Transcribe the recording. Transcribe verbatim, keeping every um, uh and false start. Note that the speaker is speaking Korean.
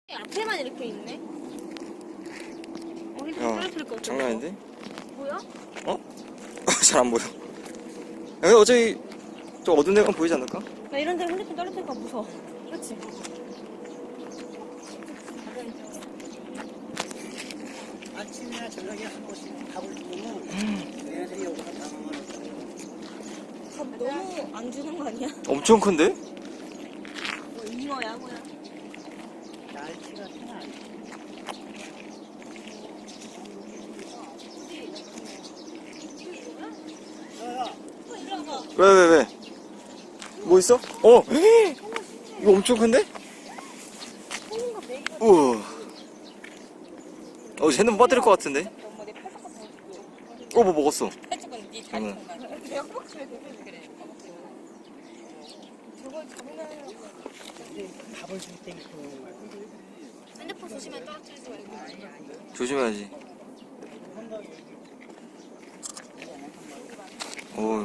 앞에만 이렇게 있네. 어, 야, 떨어뜨릴 것 같아. 장난 아닌데? 뭐야? 어? 잘 안 보여. 야, 어차피 좀 어두운 데만 보이지 않을까? 나 이런 데 핸드폰 떨어뜨릴까 무서워. 그렇지? 아침이나 저녁에 한 번씩 밥을 주면 얘네들이 여기서 당황을 했어요. 밥 너무 안 주는 거 아니야? 엄청 큰데? 뭐 잉어야 뭐야? 날치가 생각 안 나. 왜, 왜, 왜? 뭐 있어? 어! 헤이! 이거 엄청 큰데? 우와. 어, 쟤는 못 빠뜨릴 것 같은데? 어, 뭐 먹었어? 응. 밥을 줄 때 있고. 핸드폰 조심해 떨어뜨리지 말고. 조심해야지. 오.